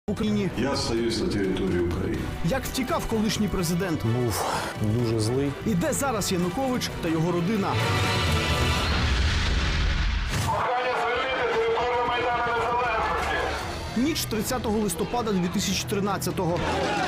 в Україні. Я остаюсь на території України. Як втікав колишній президент? Був дуже злий. І де зараз Янукович та його родина? Ніч 30 листопада 2013-го.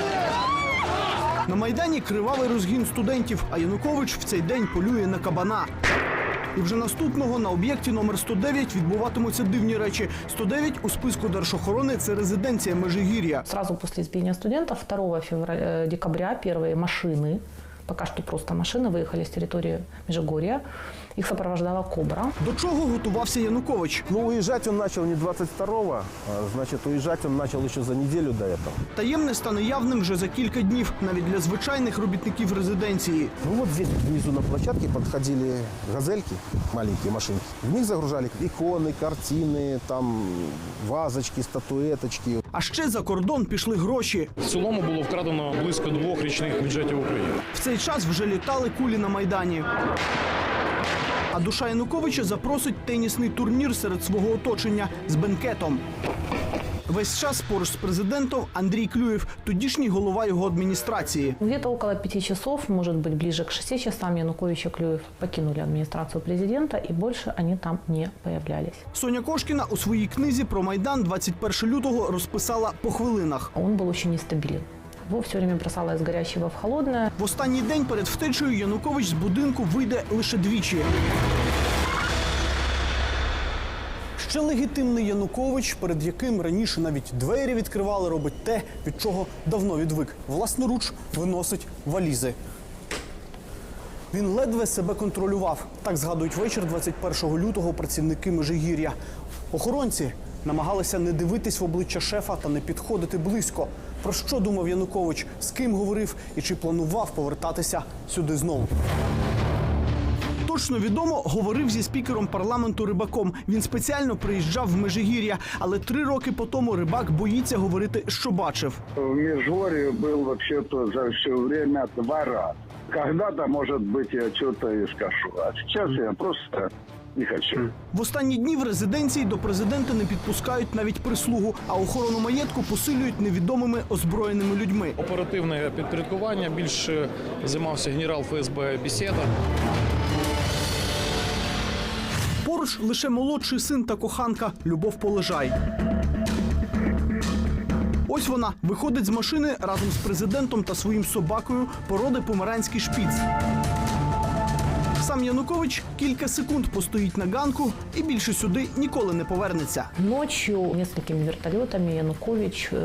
На Майдані кривавий розгін студентів, а Янукович в цей день полює на кабана. І вже наступного на об'єкті номер 109 відбуватимуться дивні речі. 109 у списку Держохорони – це резиденція Межигір'я. Сразу после избиения студентов 2 декабря первые машины, пока что просто машины, выехали с территории Межигорья. Их сопровождала «Кобра». До чого готувався Янукович? Ну, уезжать он начал не 22-го, значит, уезжать он начал еще за неделю до этого. Таємне стане явним вже за кілька днів, навіть для звичайних робітників резиденції. Ну вот здесь внизу на площадке подходили газельки, маленькие машинки. В них загружали иконы, картины, там вазочки, статуэточки. А ще за кордон пішли гроші. В цілому було вкрадено близько 2 річних бюджетів України. В цей час вже літали кулі на Майдані. А душа Януковича запросить тенісний турнір серед свого оточення з бенкетом. Весь час поруч з президентом Андрій Клюєв, тодішній голова його адміністрації. Где-то около 5 часов, может быть, ближе к 6 часам Янукович и Клюев покинули администрацию президента, и больше они там не появлялись. Соня Кошкіна у своїй книзі про Майдан 21 лютого розписала по хвилинах. Он был очень нестабилен. Его все время бросало из горячего в холодное. В останній день перед втечею Янукович з будинку вийде лише двічі. Ще легітимний Янукович, перед яким раніше навіть двері відкривали, робить те, від чого давно відвик. Власноруч виносить валізи. Він ледве себе контролював. Так згадують вечір 21 лютого працівники Межигір'я. Охоронці намагалися не дивитись в обличчя шефа та не підходити близько. Про що думав Янукович, з ким говорив і чи планував повертатися сюди знову. Точно відомо, говорив зі спікером парламенту Рибаком. Він спеціально приїжджав в Межигір'я, але 3 роки по тому Рибак боїться говорити, що бачив. В Межгорье был вообще-то за все время 2 раза. Когда-то, может быть, я что-то и скажу. А сейчас я просто не хочу. В останні дні в резиденції до президента не підпускають навіть прислугу, а охорону маєтку посилюють невідомими озброєними людьми. Оперативне підпорядкування більше займався генерал ФСБ Бесєда. Поруч лише молодший син та коханка Любов Полежай. Ось вона виходить з машини разом з президентом та своїм собакою породи померанський шпіц. Сам Янукович кілька секунд постоїть на ганку і більше сюди ніколи не повернеться. Ночью несколькими вертолетами Янукович